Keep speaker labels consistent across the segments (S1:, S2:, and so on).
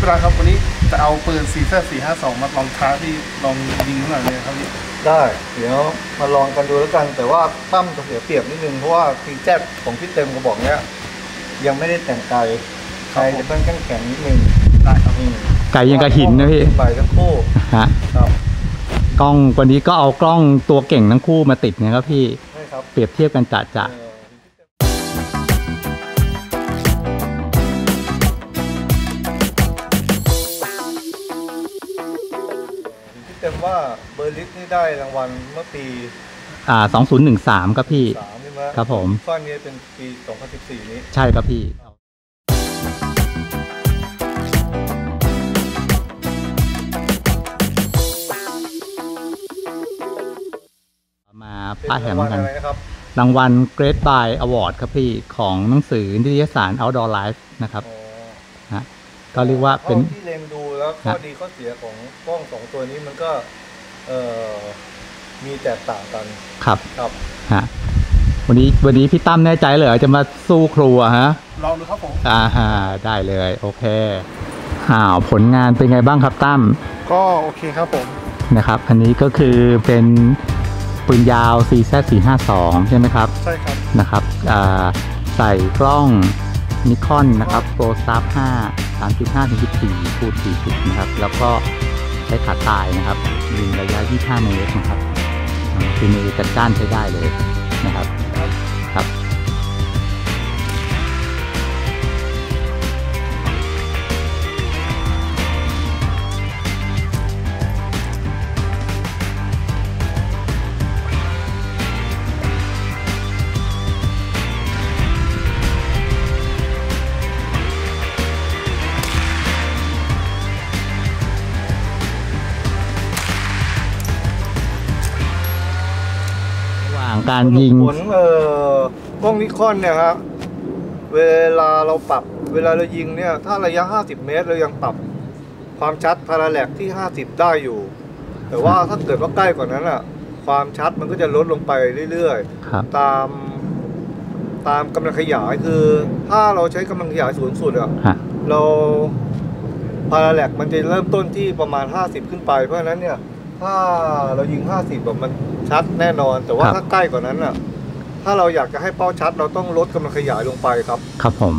S1: เวลาครับวันนี้จะเอาปืน CZ452 มาลองท้าที่ลองยิงหน่อยเลยครับพี่
S2: ได้เดี๋ยวมาลองกันดูแล้วกันแต่ว่าตั้มจะเสียเปรียบนิดนึงเพราะว่า CZ ของพี่เต็มกระบอกเนี้ยยังไม่ได้แต่งไกจะต้องแข็งนิดนึง
S1: ได้ครับ
S3: ไก่ยังกระหินนะพี่
S2: ใบทั้งคู่
S3: ฮะกล้องวันนี้ก็เอากล้องตัวเก่งทั้งคู่มาติดนะครับพี่เปรียบเทียบกันจะ
S2: เต็มว่าเบอร์ลิสนี่ได้รางวัลเมื่อปี
S3: 2013ครับพี่ครับผม
S2: ข้อนี้เป็นปี2014นี้
S3: ใช่ครับพี่มาป้าแถมกันรางวัล Great Buy Award ครับพี่ของหนังสือนิตยสาร Outdoor Life นะครับนะก็เรียกว่าเป็น
S2: ที่เล็งดูแล้วข้อดีข้อเสียของกล้อง2ตัวนี้มันก็มีแตกต่างกัน
S3: ครับฮะวันนี้พี่ตั้มแน่ใจเลยจะมาสู้ครูฮะ
S1: ลองดูครับผม
S3: ได้เลยโอเคผลงานเป็นไงบ้างครับตั้ม
S1: ก็โอเคครับผม
S3: นะครับอันนี้ก็คือเป็นปืนยาว CZ452 ใช่ไหมครับ
S1: ใช่ครับ
S3: นะครับใส่กล้องนิคอนนะครับ ProStar 5 3.5-14 คูณ 40นะครับแล้วก็ใช้ขาตายนะครับยิงระยะ25 เมตรนะครับคือมือจัดจ้านใช้ได้เลยนะครับครับการยิง
S2: ผลกล้องนิคอนเนี่ยครับเวลาเรายิงเนี่ยถ้าระยะ50 เมตรเรายังปรับความชัดพาราแลกที่50ได้อยู่แต่ว่าถ้าเกิดว่าใกล้กว่านั้นอ่ะความชัดมันก็จะลดลงไปเรื่อยๆตามกำลังขยายคือถ้าเราใช้กำลังขยายสูงสุดอ่ะเราพาราแลกมันจะเริ่มต้นที่ประมาณ50ขึ้นไปเพราะฉะนั้นเนี่ยถ้าเรายิง50แบบมันชัดแน่นอนแต่ว่าถ้าใกล้กว่านั้นน่ะถ้าเราอยากจะให้เป้าชัดเราต้องลดกำลังขยายลงไปครับ
S3: ครับผม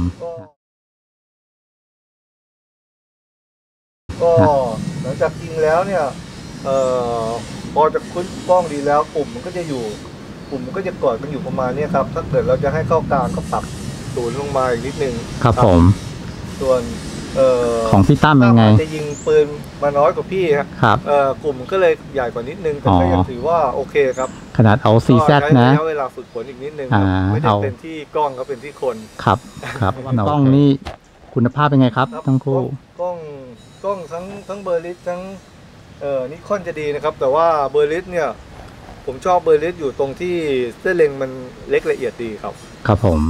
S2: ก็หลังจากยิงแล้วเนี่ยพอจะคุ้นกล้องดีแล้วปุ่มมันก็จะกอดกันอยู่ประมาณนี้ครับถ้าเกิดเราจะให้เข้ากลางก็ปรับศูนย์ลงมาอีกนิดนึง
S3: ครับผม
S2: ส่วน
S3: ของพี่ตั้มยังไง
S2: จะยิงปืนมาน้อยกว่าพี่
S3: ครับ
S2: กลุ่มก็เลยใหญ่กว่านิดนึงแต่ก็ยังถือว่าโอเคครับ
S3: ขนาดเอา CZ นะ
S2: ใช้เวลาฝึกฝนอีกนิดนึงไม่ได้เป็นที่กล้องก็เป็นที่คน
S3: ครับกล้องนี่คุณภาพเป็นไงครับทั้งคู่
S2: กล้องทั้งเบอร์ลิสทั้งนิคอนจะดีนะครับแต่ว่าเบอร์ลิสเนี่ยผมชอบเบอร์ลิสอยู่ตรงที่เส้นเล็งมันเล็กละเอียดดีครับ
S3: ครับผม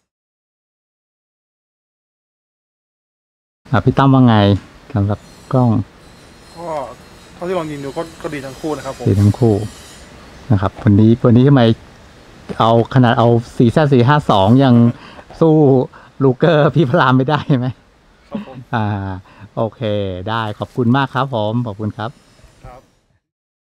S3: พี่ตั้มว่าไงสำหรับกล้อง
S1: ก็เท่าที่ลองยิงดูก็ดีทั้งคู่นะครับผม
S3: ดีทั้งคู่นะครับวันนี้ทำไมเอาขนาดเอา CZ452 ยังสู้ลูเกอร์พี่พรามไม่ได้ไหม
S1: ครับผม
S3: โอเคได้ขอบคุณมากครับผมขอบคุณครับ